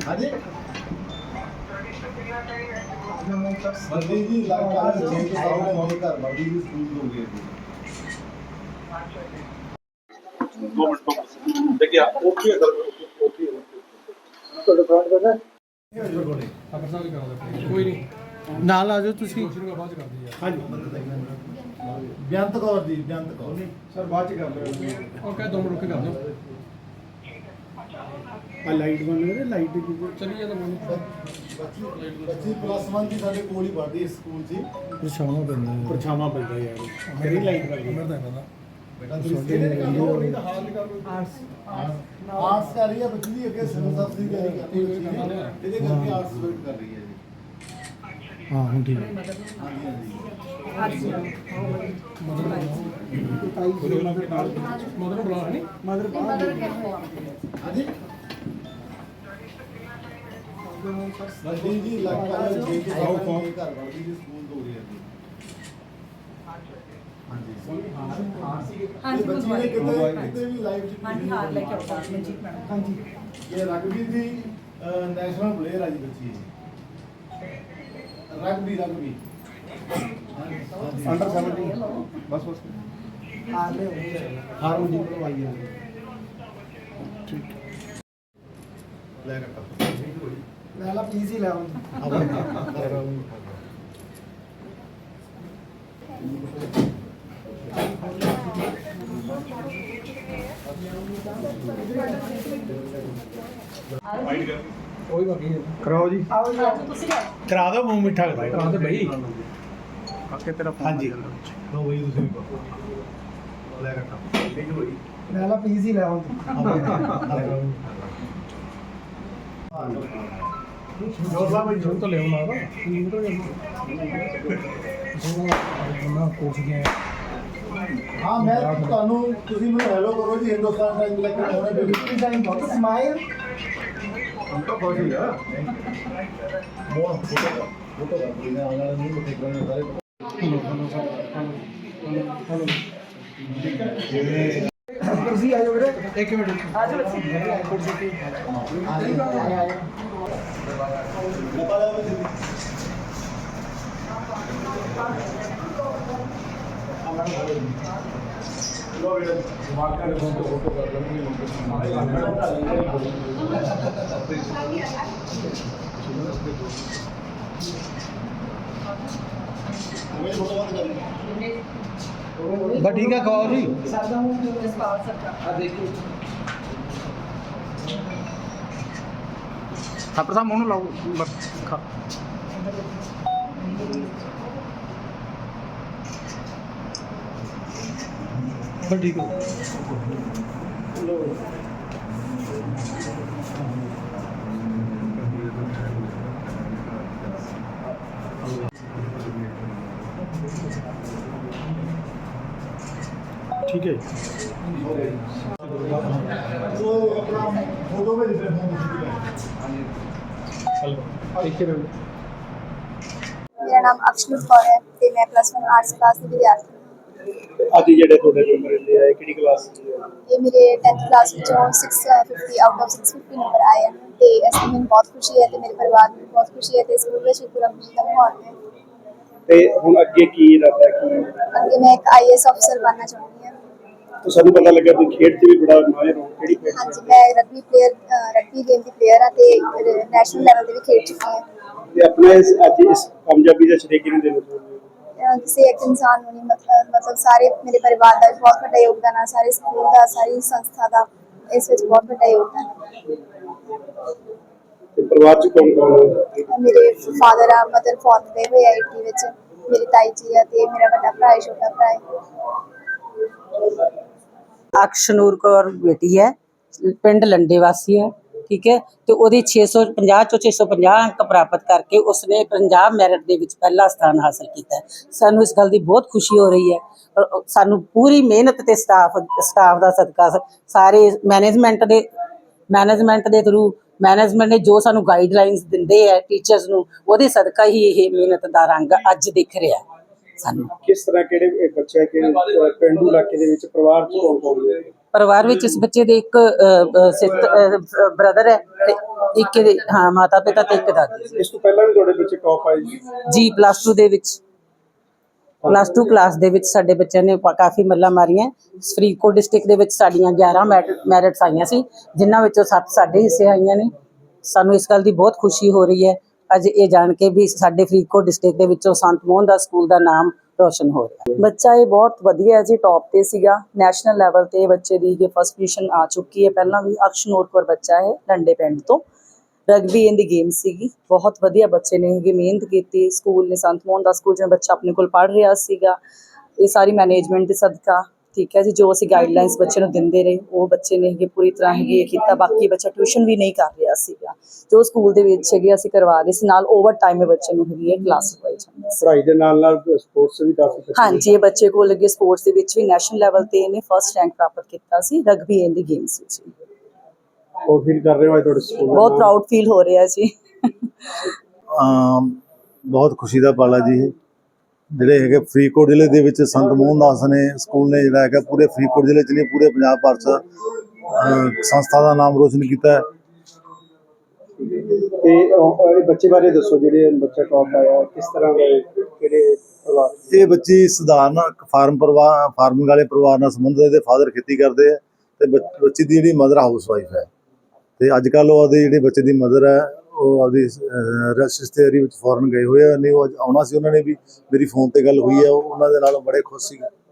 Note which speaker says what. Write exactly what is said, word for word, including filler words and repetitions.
Speaker 1: हाँ जी बंदी जी लगभग छह के सामने मेरे घर बंदी जी स्कूल हो गए थे
Speaker 2: दो मिनट को देखिए ओके अगर ओके तो डिफरेंट करना
Speaker 3: ਕੋਈ ਨਹੀਂ ਨਾਲ ਆ ਜਾਓ ਤੁਸੀਂ ਬਾਅਦ ਚ ਕਰਦੇ ਯਾਰ
Speaker 1: ਹਾਂਜੀ ਬੇਅੰਤ ਕੌਰ ਜੀ ਬੇਅੰਤ ਕੌਰ
Speaker 3: ਸਰ ਬਾਅਦ ਚ ਕਰ ਲਿਓ ਉਹ ਕਹੇ ਦੋ ਮਿੰਟ ਰੁਕ ਕੇ ਕਰ ਦਿਓ ਆ ਲਾਈਟ ਬੰਦ ਕਰੇ ਲਾਈਟ ਦੀ ਚਲੀ ਜਾਂਦਾ ਬੰਦ
Speaker 1: ਬੱਚੀ ਪਲੱਸ वन ਦੀ ਸਾਡੇ ਕੋਲ ਹੀ ਪੜ੍ਹਦੀ ਇਸ ਸਕੂਲ 'ਚ
Speaker 3: ਪਰਛਾਵਾਂ ਪੈਂਦਾ ਪਰਛਾਵਾਂ ਪੈਂਦਾ ਯਾਰ ਮੇਰੀ ਲਾਈਟ ਲੱਗ ਗਈ ਮੈਂ ਤਾਂ ਪਤਾ
Speaker 1: ਬੇਟਾ ਤੁਸੀਂ ਕਿਹੜੇ ਕਰ ਲਓ ਨਹੀਂ ਤਾਂ ਹਾਲ ਕਰ ਲਓ ਆਰਟਸ ਆਰਟਸ ਕਰ ਰਹੀ ਹੈ ਬੱਚੀ ਦੀ ਅੱਗੇ ਸਿਵਲ ਸਰਵਿਸ ਦੀ ਤਿਆਰੀ ਕਰ ਰਹੀ ਹੈ ਇਹਦੇ ਕਰਕੇ ਆਰਟਸ ਵੇਟ ਕਰ ਰਹੀ ਹੈ ਜੀ
Speaker 3: ਹਾਂ ਹੁਣ ਠੀਕ ਹੈ
Speaker 1: ਹਾਂਜੀ ਹਾਂਜੀ
Speaker 3: ਮਦਰ ਬੁਲਾ ਨਹੀਂ ਮਦਰ
Speaker 1: ਹਾਂਜੀ ਬੰਦੀ ਜੀ ਲੱਗਭਗ ਛੇ ਕੇ ਸਾਹਮਣੇ ਮੇਰੇ ਘਰ ਬੜਦੀ ਜੀ ਸਕੂਲ ਤੋਂ ਰਹੀ ਹੈ ਜੀ ਹਾਂਜੀ
Speaker 4: ਹਾਂਜੀ
Speaker 1: ਬੱਚੀ ਨੇ ਕਿਤੇ ਕਿਤੇ ਵੀ ਲਾਈਫ 'ਚ
Speaker 4: ਹਾਂਜੀ ਹਾਰ ਲੈ ਕੇ ਆਉਂਦਾ ਮਨਜੀਤ ਮੈਡਮ ਹਾਂਜੀ
Speaker 1: ਇਹ ਰਗਬੀ ਦੀ ਨੈਸ਼ਨਲ ਪਲੇਅਰ ਆ ਜੀ ਬੱਚੀ ਰਗਬੀ ਰਗਬੀ
Speaker 3: ਅੰਡਰ ਸੈਵਨਟੀਨ ਬਸ ਬਸ
Speaker 4: ਹਾਰ ਲੈ
Speaker 3: ਹਾਰ ਨੂੰ ਜੀ ਕਰਵਾਈ ਹੈ ਠੀਕ
Speaker 1: ਲੈ ਕੱਟਾ
Speaker 3: ਲੈ ਲਾ ਪਲੀਜ਼ ਹੀ ਲੈ ਆਉਂ ਕੋਈ ਬਾਕੀ ਕਰਾਓ ਜੀ
Speaker 4: ਆਓ ਜੀ ਤੁਸੀਂ ਲੈ
Speaker 3: ਕਰਾ ਦੋ ਮੂੰਹ ਮਿੱਠਾ ਕਰਾ ਦੇ ਬਈ
Speaker 1: ਕਾਕੇ ਤੇਰਾ ਫੋਨ ਹਾਂਜੀ ਲੋ ਬਈ ਤੁਸੀਂ ਵੀ ਪਾਓ ਲੈ ਕੱਟਾ ਠੀਕ ਹੈ ਬਈ
Speaker 3: ਲੈ ਲਾ ਪਲੀਜ਼ ਹੀ ਲੈ ਆਉਂ ਜੋਰਲਾ ਬਈ ਜੋਰ ਤਾਂ ਲੈ ਆਉਣਾ ਨਾ ਨਾ ਕੋਚ ਗਿਆ
Speaker 1: ਹਾਂ ਮੈਂ ਤੁਹਾਨੂੰ ਤੁਸੀਂ ਮੈਨੂੰ ਹੈਲੋ ਕਰੋ ਜੀ ਹਿੰਦੁਸਤਾਨ ਟਾਈਮ ਲੈ ਕੇ ਆਉਣਾ ਬਿਲਕੁਲ
Speaker 3: ਟਾਈਮ ਬਹੁਤ ਸਮਾਈਲ
Speaker 1: हम तो बहुत ही है मोर फोटो का फोटो का कोई ना आना नहीं मुझे करने सारे
Speaker 3: ਕੁਰਸੀ ਆ ਜਾਓ ਵੀਰੇ ਇੱਕ ਮਿੰਟ
Speaker 4: ਆ ਜਾਓ ਬੱਚੇ
Speaker 3: ਕੁਰਸੀ ਤੇ
Speaker 1: नेपाल लो बेटा दिमाग का फोटो फोटो कर
Speaker 3: बस ठीक है खाओ जी
Speaker 4: ਸਾਡਾ ਹੂੰ ਜਸਪਾਲ ਸਰਕਾਰ
Speaker 3: आ देखो
Speaker 2: ਥਾਪਰ ਸਾਹਿਬ ਉਹਨੂੰ ਲਾਓ ਬਸ ਖਾ
Speaker 3: बस ठीक है ठीक है
Speaker 1: तो अपना फोटो में दिख रहा है
Speaker 3: ठीक है
Speaker 5: मेरा नाम अक्षनुर कौर है ते मैं प्लस वन आर्ट्स क्लास की विद्यार्थी
Speaker 2: ਅੱਜ ਜਿਹੜੇ ਤੁਹਾਡੇ ਨੰਬਰ ਆਏ ਆ ਕਿਹੜੀ ਕਲਾਸ
Speaker 5: ये मेरे टेंथ क्लास ਵਿੱਚੋਂ six fifty out of six fifty number आए हैं ਤੇ ਇਸ ਤੋਂ ਮੈਨੂੰ ਬਹੁਤ ਖੁਸ਼ੀ ਹੈ ਤੇ ਮੇਰੇ ਪਰਿਵਾਰ ਨੂੰ ਬਹੁਤ ਖੁਸ਼ੀ ਹੈ ਤੇ ਸਕੂਲ ਵਿੱਚ ਪੂਰਾ ਖੁਸ਼ੀ ਦਾ ਮਾਹੌਲ ਹੈ
Speaker 2: ਤੇ ਹੁਣ ਅੱਗੇ ਕੀ ਇਰਾਦਾ ਕੀ
Speaker 5: ਅੱਗੇ ਮੈਂ ਇੱਕ ਆਈਏਐਸ ਅਫਸਰ ਬਣਨਾ ਚਾਹੁੰਦੀ ਹਾਂ
Speaker 2: ਤਾਂ ਸਾਨੂੰ ਪਤਾ ਲੱਗਾ ਤੁਸੀਂ ਖੇਡ 'ਚ ਵੀ ਬੜਾ ਮਾਹਿਰ ਹੋ ਕਿਹੜੀ ਖੇਡ 'ਚ?
Speaker 5: ਹਾਂਜੀ ਮੈਂ ਰਗਬੀ ਪਲੇਅਰ ਰਗਬੀ ਗੇਮ ਦੀ ਪਲੇਅਰ ਹਾਂ ਤੇ ਨੈਸ਼ਨਲ ਲੈਵਲ ਤੇ ਵੀ ਖੇਡ ਚੁੱਕੀ ਹਾਂ
Speaker 2: ਤੇ ਆਪਣੇ ਇਸ ਅੱਜ ਇਸ ਕਾਮਯਾਬੀ ਦਾ ਸ਼ਰੀਕ ਕਿਹਨੂੰ ਦੇਣਾ ਚਾਹੁੰਦੇ ਹੋ
Speaker 5: ਅਹ ਕਿਸੇ ਇੱਕ ਇਨਸਾਨ ਨੂੰ ਨਹੀਂ ਮਤਲਬ ਮਤਲਬ ਸਾਰੇ ਮੇਰੇ ਪਰਿਵਾਰ ਦਾ ਵੀ ਬਹੁਤ ਵੱਡਾ ਯੋਗਦਾਨ ਹੈ ਸਾਰੇ ਸਕੂਲ ਦਾ ਸਾਰੀ ਸੰਸਥਾ ਦਾ ਇਸ ਵਿੱਚ ਬਹੁਤ ਵੱਡਾ ਯੋਗਦਾਨ ਹੈ
Speaker 2: ਤੇ ਪਰਿਵਾਰ 'ਚ ਕੌਣ ਕੌਣ ਹੈ
Speaker 5: ਮੇਰੇ ਫਾਦਰ ਆ ਮਦਰ ਫੌਤ ਗਏ ਹੋਏ ਆ ਇਟਲੀ ਵਿੱਚ ਮੇਰੀ ਤਾਈ ਜੀ ਆ ਤੇ ਮੇਰਾ ਵੱਡਾ ਭਰਾ ਹੈ ਛੋਟਾ ਭਰਾ ਹੈ
Speaker 6: ਅਕਸ਼ਨੂਰ ਕੌਰ ਬੇਟੀ ਹੈ ਪਿੰਡ ਲੰਡੇ ਵਾਸੀ ਹੈ ਠੀਕ ਹੈ ਤੇ ਉਹਦੇ ਛੇ ਸੌ ਪੰਜਾਹ ਚੋਂ ਛੇ ਸੌ ਪੰਜਾਹ ਅੰਕ ਪ੍ਰਾਪਤ ਕਰਕੇ ਉਸਨੇ ਪੰਜਾਬ ਮੈਰਿਟ ਦੇ ਵਿੱਚ ਪਹਿਲਾ ਸਥਾਨ ਹਾਸਲ ਕੀਤਾ ਹੈ। ਸਾਨੂੰ ਇਸ ਗੱਲ ਦੀ ਬਹੁਤ ਖੁਸ਼ੀ ਹੋ ਰਹੀ ਹੈ ਔਰ ਸਾਨੂੰ ਪੂਰੀ ਮਿਹਨਤ ਤੇ ਸਟਾਫ ਸਟਾਫ ਦਾ ਸਦਕਾ ਸਾਰੇ ਮੈਨੇਜਮੈਂਟ ਦੇ ਮੈਨੇਜਮੈਂਟ ਦੇ ਥਰੂ ਮੈਨੇਜਮੈਂਟ ਨੇ ਜੋ ਸਾਨੂੰ ਗਾਈਡਲਾਈਨਸ ਦਿੰਦੇ ਹੈ ਟੀਚਰਸ ਨੂੰ ਉਹਦੇ ਸਦਕਾ ਹੀ ਇਹ ਮਿਹਨਤ ਦਾ ਰੰਗ ਅੱਜ ਦਿਖ ਰਿਹਾ ਸਾਨੂੰ।
Speaker 2: ਕਿਸ ਤਰ੍ਹਾਂ ਕਿਹੜੇ ਬੱਚੇ ਕਿ ਪਿੰਡੂ ਇਲਾਕੇ ਦੇ ਵਿੱਚ ਪਰਿਵਾਰ 'ਚ ਕੌਣ ਕੌਣ ਹੈ
Speaker 6: ਪਰਿਵਾਰ ਵਿੱਚ ਇਸ ਬੱਚੇ ਦੇ ਇੱਕ ਬ੍ਰਦਰ ਹੈ ਤੇ ਇੱਕ ਇਹਦੇ ਹਾਂ ਮਾਤਾ ਪਿਤਾ ਤੇ ਇੱਕ ਦਾਦੀ।
Speaker 3: ਇਸ ਤੋਂ ਪਹਿਲਾਂ ਵੀ ਤੁਹਾਡੇ ਬੱਚੇ ਟੌਪ ਆਏ ਜੀ?
Speaker 6: ਜੀ ਪਲੱਸ ਟੂ ਦੇ ਵਿੱਚ ਪਲੱਸ ਟੂ ਕਲਾਸ ਦੇ ਵਿੱਚ ਸਾਡੇ ਬੱਚਿਆਂ ਨੇ ਪ- ਕਾਫੀ ਮੱਲਾਂ ਮਾਰੀਆਂ। ਫਰੀਦਕੋਟ ਡਿਸਟ੍ਰਿਕਟ ਦੇ ਵਿੱਚ ਸਾਡੀਆਂ ਗਿਆਰਾਂ ਮੈਰਿਟਸ ਆਈਆਂ ਸੀ, ਜਿਨ੍ਹਾਂ ਵਿੱਚੋਂ ਸੱਤ ਸਾਡੇ ਹਿੱਸੇ ਆਈਆਂ ਨੇ। ਸਾਨੂੰ ਇਸ ਗੱਲ ਦੀ ਬਹੁਤ ਖੁਸ਼ੀ ਹੋ ਰਹੀ ਹੈ ਅੱਜ ਇਹ ਜਾਣ ਕੇ ਵੀ ਸਾਡੇ ਫਰੀਦਕੋਟ ਡਿਸਟ੍ਰਿਕਟ ਦੇ ਵਿੱਚੋਂ ਸੰਤ ਮੋਹਨ ਦਾਸ ਸਕੂਲ ਦਾ ਨਾਮ ਰੋਸ਼ਨ ਹੋ ਰਿਹਾ।
Speaker 7: ਬੱਚਾ ਇਹ ਬਹੁਤ ਵਧੀਆ ਹੈ ਜੀ, ਟੌਪ ਤੇ ਸੀਗਾ। ਨੈਸ਼ਨਲ ਲੈਵਲ ਤੇ ਬੱਚੇ ਦੀ ਇਹ ਫਸਟ ਪੋਜੀਸ਼ਨ ਆ ਚੁੱਕੀ ਹੈ। ਪਹਿਲਾਂ ਵੀ ਅਕਸ਼ਨੂਰ ਕੌਰ ਬੱਚਾ ਹੈ ਲੰਡੇ ਪਿੰਡ ਤੋਂ, ਰਗਬੀ ਇਨ ਦੀ ਗੇਮ ਸੀਗੀ। ਬਹੁਤ ਵਧੀਆ ਬੱਚੇ ਨੇ ਹੈਗੇ, ਮਿਹਨਤ ਕੀਤੀ। ਸਕੂਲ ਨੇ ਸੰਤ ਮੋਹਨ ਦਾਸ ਸਕੂਲ ਜਿਵੇਂ ਬੱਚਾ ਆਪਣੇ ਕੋਲ ਪੜ੍ਹ ਰਿਹਾ ਸੀਗਾ, ਇਹ ਸਾਰੀ ਮੈਨੇਜਮੈਂਟ ਦੇ ਸਦਕਾ ਠੀਕ ਹੈ ਜੀ। ਜੋ ਅਸੀਂ ਗਾਈਡਲਾਈਨਸ ਬੱਚੇ ਨੂੰ ਦਿੰਦੇ ਰਹੇ ਉਹ ਬੱਚੇ ਨੇ ਹੈਗੇ ਪੂਰੀ ਤਰ੍ਹਾਂ ਹੈਗੇ ਇਹ ਕੀਤਾ। ਬਾਕੀ ਬੱਚਾ ਟਿਊਸ਼ਨ ਵੀ ਨਹੀਂ ਕਰ ਰਿਹਾ ਸੀਗਾ, ਜੋ ਸਕੂਲ ਦੇ ਵਿੱਚ ਹੈਗੇ ਅਸੀਂ ਕਰਵਾ ਰਹੇ ਸੀ। ਨਾਲ ਓਵਰ ਟਾਈਮ ਇਹ ਬੱਚੇ ਨੂੰ ਹੈਗੀ ਹੈ ਕਲਾਸ ਲਗਵਾਈ ਜਾਂਦੀ ਸੀ।
Speaker 3: ਪੜ੍ਹਾਈ ਦੇ ਨਾਲ ਨਾਲ ਸਪੋਰਟਸ ਵੀ ਕਾਫੀ ਬੱਚੇ
Speaker 7: ਹਾਂਜੀ, ਇਹ ਬੱਚੇ ਕੋਲ ਲੱਗੇ ਸਪੋਰਟਸ ਦੇ ਵਿੱਚ ਵੀ ਨੈਸ਼ਨਲ ਲੈਵਲ ਤੇ ਇਹਨੇ ਫਸਟ ਰੈਂਕ ਪ੍ਰਾਪਤ ਕੀਤਾ ਸੀ ਰਗਬੀ ਇਨ ਦੀ ਗੇਮਸ ਵਿੱਚ।
Speaker 3: ਹੋਰ ਫੀਲ ਕਰ ਰਹੇ ਹੋ ਅੱਜ ਤੁਹਾਡੇ ਸਕੂਲ ਦਾ
Speaker 7: ਬਹੁਤ
Speaker 3: ਨਾਮ?
Speaker 7: ਪ੍ਰਾਊਡ ਫੀਲ ਹੋ ਰਿਹਾ ਜੀ।
Speaker 1: ਅਮ ਬਹੁਤ ਖੁਸ਼ੀ ਦਾ ਪਲ ਹੈ ਜੀ ਇਹ। ਜਿਹੜੇ ਹੈਗੇ ਫਰੀਦਕੋਟ ਜ਼ਿਲ੍ਹੇ ਦੇ ਵਿੱਚ ਸੰਤ ਮੋਹਨ ਦਾਸ ਨੇ ਸਕੂਲ ਨੇ ਜਿਹੜਾ ਹੈਗਾ ਪੂਰੇ ਫਰੀਦਕੋਟ ਜ਼ਿਲ੍ਹੇ 'ਚ ਨਹੀਂ ਪੂਰੇ ਪੰਜਾਬ ਭਰ 'ਚ ਅਮ ਸੰਸਥਾ ਦਾ ਨਾਮ ਰੋਸ਼ਨ ਕੀਤਾ ਹੈ।
Speaker 3: ਤੇ ਉਹ ਇਹ ਬੱਚੇ ਬਾਰੇ ਦੱਸੋ, ਜਿਹੜੇ ਬੱਚਾ ਟੌਪ ਆਇਆ ਕਿਸ ਤਰ੍ਹਾਂ ਦੇ ਕਿਹੜੇ ਪਰਿਵਾਰ?
Speaker 1: ਇਹ ਬੱਚੀ ਸਧਾਰਨ ਫਾਰਮ ਪਰਿਵਾਰ ਫਾਰਮਿੰਗ ਵਾਲੇ ਪਰਿਵਾਰ ਨਾਲ ਸੰਬੰਧਿਤ। ਇਹਦੇ ਫਾਦਰ ਖੇਤੀ ਕਰਦੇ ਆ ਤੇ ਬੱਚ- ਬੱਚੀ ਦੀ ਜਿਹੜੀ ਮਦਰ ਹਾਊਸ ਵਾਈਫ ਹੈ। ਤੇ ਅੱਜ ਕੱਲ੍ਹ ਉਹਦੇ ਜਿਹੜੇ ਬੱਚੇ ਦੀ ਮਦਰ ਹੈ ਉਹ ਆਪਦੀ ਰਿਸ਼ਤੇਦਾਰੀ ਵਿੱਚ ਫੋਰਨ ਗਏ ਹੋਏ ਆ। ਨਹੀਂ ਉਹ ਅੱਜ ਆਉਣਾ ਸੀ, ਉਹਨਾਂ ਨੇ ਵੀ ਮੇਰੀ ਫੋਨ ਤੇ ਗੱਲ ਹੋਈ ਹੈ, ਉਹ ਉਹਨਾਂ ਦੇ ਨਾਲ ਬੜੇ ਖੁਸ਼ ਸੀ।